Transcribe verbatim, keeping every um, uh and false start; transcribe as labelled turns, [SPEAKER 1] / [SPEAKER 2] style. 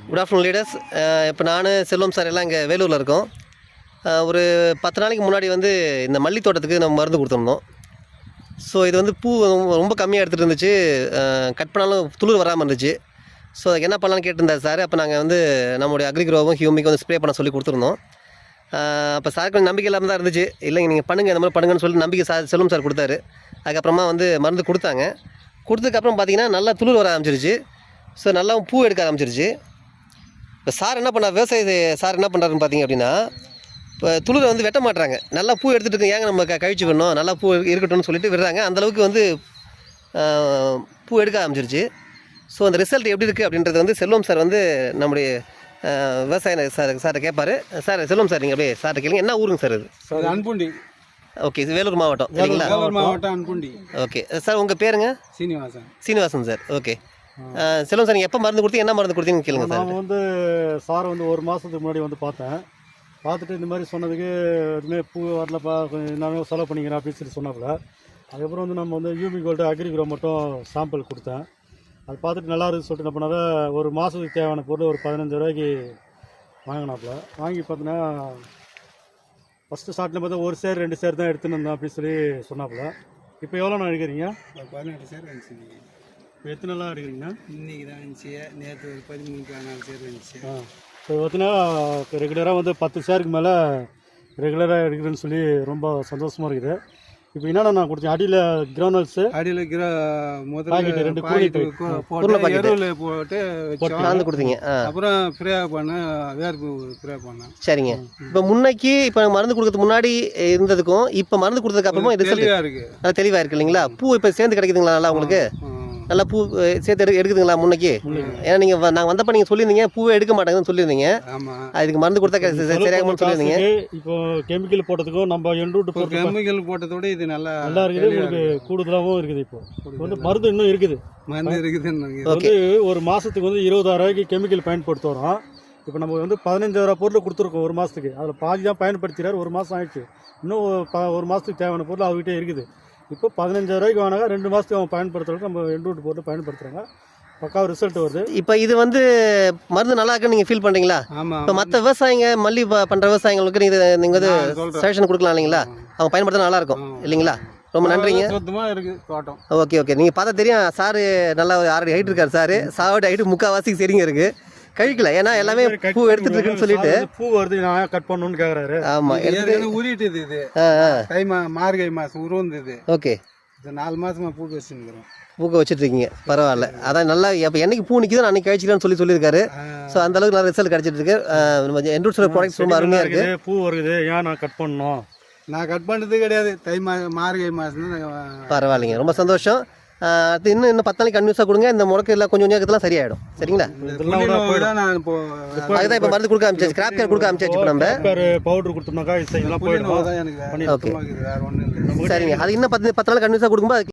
[SPEAKER 1] Good afternoon leaders. இப்போ நான் செல்வம் sir எல்லாம் இங்கே வேலூரில் இருக்கோம். ஒரு பத்து நாளைக்கு முன்னாடி வந்து இந்த மல்லி தோட்டத்துக்கு நம்ம மருந்து கொடுத்துருந்தோம். ஸோ இது வந்து பூ ரொம்ப கம்மியாக எடுத்துகிட்டு இருந்துச்சு, கட் பண்ணாலும் துளிர் வராமல் இருந்துச்சு. ஸோ அதுக்கு என்ன பண்ணலான்னு கேட்டிருந்தார் சார். அப்போ நாங்கள் வந்து நம்மளுடைய அக்ரிக்ரோவும் ஹியூமிக்கும் வந்து ஸ்ப்ரே பண்ண சொல்லி கொடுத்துருந்தோம். அப்போ சாருக்கு கொஞ்சம் நம்பிக்கை இல்லாமல் தான் இருந்துச்சு. இல்லைங்க நீங்கள் பண்ணுங்கள், இந்த மாதிரி பண்ணுங்கன்னு சொல்லி நம்பிக்கை சார் செல்வம் சார் கொடுத்தாரு. அதுக்கப்புறமா வந்து மருந்து கொடுத்தாங்க. கொடுத்ததுக்கப்புறம் பார்த்திங்கன்னா நல்லா துளிர் வர ஆரம்பிச்சிருச்சு. ஸோ நல்லா பூ எடுக்க ஆரம்பிச்சிருச்சு. இப்போ சார் என்ன பண்ணார், விவசாயி சார் என்ன பண்ணுறாருன்னு பார்த்திங்க அப்படின்னா, இப்போ துளிரை வந்து வெட்ட மாட்டுறாங்க. நல்லா பூ எடுத்துகிட்டு இருக்கு, ஏங்க நம்ம க கழிச்சு விடணும், நல்லா பூ இருக்கட்டும்னு சொல்லிட்டு விடுறாங்க. அந்தளவுக்கு வந்து பூ எடுக்க ஆரம்பிச்சிருச்சு. ஸோ அந்த ரிசல்ட் எப்படி இருக்குது அப்படின்றது வந்து செல்வம் சார் வந்து நம்முடைய விவசாய சார் சாரை கேட்பார். சார் செல்வம் சார் நீங்கள் அப்படியே சார்ட்ட கேளுங்க. என்ன ஊருங்க சார் இது?
[SPEAKER 2] சார் அன்புண்டி.
[SPEAKER 1] ஓகே, இது வேலூர் மாவட்டம் சரிங்களா?
[SPEAKER 2] வேலூர் மாவட்டம் அன்புண்டி.
[SPEAKER 1] ஓகே சார், உங்கள் பேருங்க?
[SPEAKER 2] Srinivasan.
[SPEAKER 1] Srinivasan sir. Okay Selvam sir, நீங்கள் எப்போ மருந்து கொடுத்தீங்க, என்ன மருந்து கொடுத்தீங்கன்னு கேளுங்க சார்.
[SPEAKER 3] நான் வந்து சாரை வந்து ஒரு மாதத்துக்கு முன்னாடி வந்து பார்த்தேன். பார்த்துட்டு இந்த மாதிரி சொன்னதுக்கு எதுவுமே பூ வரலப்பா, கொஞ்சம் நானும் செலவு பண்ணிக்கிறேன் அப்படின்னு சொல்லி சொன்னாப்புல. அதுக்கப்புறம் வந்து நம்ம வந்து யூமி கோல்டு அக்ரிக்ரோ மட்டும் சாம்பிள் கொடுத்தேன். அது பார்த்துட்டு நல்லா இருக்குன்னு சொல்லிட்டு என்ன பண்ணாத, ஒரு மாதத்துக்கு தேவையான பொருள் ஒரு பதினஞ்சு ரூபாய்க்கு வாங்கினாப்புல. வாங்கி பார்த்தீங்கன்னா ஃபஸ்ட்டு ஸ்டார்டில் பார்த்தா ஒரு சேர் ரெண்டு சேர் தான் எடுத்துன்னு இருந்தேன் அப்படின்னு சொல்லி சொன்னாப்புல. இப்போ எவ்வளோ நான் எடுக்கிறீங்க?
[SPEAKER 2] பதினெட்டு சேர் இருந்துச்சு.
[SPEAKER 3] இப்போ எத்தனை நாளாக எடுக்கிறீங்க?
[SPEAKER 2] இன்னைக்கு தான் இருந்துச்சு, நேற்று ஒரு பதிமூணு பதினாலு சேர் இருந்துச்சு.
[SPEAKER 3] ஆ இப்போ பார்த்தீங்கன்னா ரெகுலராக வந்து பத்து சேருக்கு மேலே ரெகுலராக எடுக்கிறேன்னு சொல்லி ரொம்ப சந்தோஷமாக இருக்குது. இப்போ என்னென்ன நான் கொடுத்தேன், அடியில் கிரௌனல்ஸு,
[SPEAKER 2] அடியில் கிர
[SPEAKER 3] பாக்கெட்டு ரெண்டு
[SPEAKER 2] பாக்கெட்டு போட்டு எருவில் போட்டு
[SPEAKER 1] கலந்து கொடுத்தீங்க.
[SPEAKER 2] அப்புறம் ஃப்ரே பண்ண வேர்ப்பு ஃப்ரே பண்ணேன்.
[SPEAKER 1] சரிங்க. இப்போ முன்னைக்கு இப்போ மருந்து கொடுக்கறதுக்கு முன்னாடி இருந்ததுக்கும் இப்போ மருந்து கொடுத்ததுக்கு அப்புறமா ரிசல்ட்
[SPEAKER 2] தெளிவாக இருக்குது.
[SPEAKER 1] அது தெளிவாக இருக்குது இல்லைங்களா? பூ இப்போ சேர்ந்து கிடைக்குதுங்களா நல்லா உங்களுக்கு? நல்லா பூ சேர்த்து எடு எடுக்குதுங்களா முன்னைக்கு? ஏன்னா நீங்கள் நாங்கள் வந்தப்போ நீங்கள் சொல்லியிருந்தீங்க பூவே எடுக்க மாட்டாங்கன்னு சொல்லியிருந்தீங்க.
[SPEAKER 2] ஆமாம்,
[SPEAKER 1] அதுக்கு மருந்து கொடுத்தா சரியாகும்னு சொல்லியிருந்தீங்க.
[SPEAKER 3] இப்போ கெமிக்கல் போட்டதுக்கும் நம்ம எண்டூட்டு போட்டு
[SPEAKER 2] கெமிக்கல் போட்டதோட இது நல்லா
[SPEAKER 3] நல்லா இருக்குது. உங்களுக்கு கூடுதலாகவும் இருக்குது. இப்போ வந்து மருந்து இன்னும் இருக்குது,
[SPEAKER 2] மருந்து இருக்குதுன்னு
[SPEAKER 3] வந்து ஒரு மாதத்துக்கு வந்து இருபதாயிரம் ரூபாய்க்கு கெமிக்கல் பயன்படுத்த வரோம். இப்போ நம்ம வந்து பதினஞ்சாயிரம் பொருள் கொடுத்துருக்கோம் ஒரு மாதத்துக்கு. அதில் பாதி தான் பயன்படுத்துகிறார். ஒரு மாதம் ஆயிடுச்சு. இன்னும் ஒரு மாதத்துக்கு தேவையான பொருள் அவர்கிட்ட இருக்குது. இப்போ பதினஞ்சாயிரம் ரூபாய்க்கு வாங்கினாங்க, ரெண்டு மாதத்துக்கு அவங்க பயன்படுத்துறதுக்கு நம்ம எண்டூட்டு போட்டு பயன்படுத்துகிறாங்க. பக்காவ ரிசல்ட் வருது. இப்போ இது வந்து மருந்து நல்லா இருக்குன்னு நீங்கள் ஃபீல் பண்ணுறீங்களா?
[SPEAKER 2] ஆமாம்.
[SPEAKER 1] இப்போ மற்ற விவசாயிங்க மல்லி பண்ணுற விவசாயிங்களுக்கு நீங்கள் நீங்கள் வந்து சஜஷன் கொடுக்கலாம் இல்லைங்களா? அவங்க பயன்படுத்த நல்லா இருக்கும் இல்லைங்களா? ரொம்ப நன்றிங்க.
[SPEAKER 2] சுத்தமாக இருக்குது தோட்டம்.
[SPEAKER 1] ஓகே ஓகே, நீங்கள் பார்த்தா தெரியும் சாரு நல்லா ஆறு ஹைட் இருக்கார். சார் சாவோட ஹைட்டு முக்கால்வாசிக்கு சரிங்க இருக்குது. கழிக்கல, ஏன்னா எல்லாமே பூ எடுத்துட்டு இருக்குன்னு சொல்லிட்டு
[SPEAKER 3] பூ வருது நான் கட் பண்ணணும்னு கேட்குறாரு.
[SPEAKER 1] ஆமாம், எடுத்து
[SPEAKER 2] உருட்டுது. இது தை மா மார்கழி மாதம் உருவந்தது.
[SPEAKER 1] ஓகே,
[SPEAKER 2] இது நாலு மாதமாக பூ வச்சுருக்கிறோம்.
[SPEAKER 1] பூக்க வச்சுட்டு இருக்கீங்க, பரவாயில்ல. அதான் நல்லா இப்போ என்னைக்கு பூ நிற்கிதோ அன்னைக்கு கழிச்சிக்கலாம்னு சொல்லி சொல்லியிருக்காரு. ஸோ அந்த அளவுக்கு நல்ல ரிசல்ட் கிடைச்சிட்டு இருக்கு. எண்டூட்ஸோட ப்ராடக்ட்ஸ் ரொம்ப அருமையாக இருக்குது.
[SPEAKER 3] பூ வருது, ஏன் நான் கட் பண்ணணும்?
[SPEAKER 2] நான் கட் பண்ணுறது கிடையாது. தை மா மார்கழி மாதம்.
[SPEAKER 1] பரவாயில்லைங்க, ரொம்ப சந்தோஷம். அது இன்னும் இன்னும் பத்து நாளைக்கு கன்வியூஸாக கொடுங்க. இந்த முடக்கு எல்லாம் கொஞ்சம் கொஞ்சம் சரியாயிடும் சரிங்களா?
[SPEAKER 2] நான் இப்போ
[SPEAKER 1] அதுதான் இப்போ மருந்து கொடுக்க ஆரம்பிச்சாச்சு, கிராப் கேர் கொடுக்க ஆரம்பிச்சாச்சு. இப்போ நம்ம
[SPEAKER 3] பவுடர் கொடுத்தோம்னாக்கா இதெல்லாம் போயிடும்.
[SPEAKER 2] எனக்கு வேற ஒன்றும் இல்லை.
[SPEAKER 1] சரிங்க, அது இன்னும் பத்து பத்து நாள் கன்வியூஸாக கொடுக்கும்போது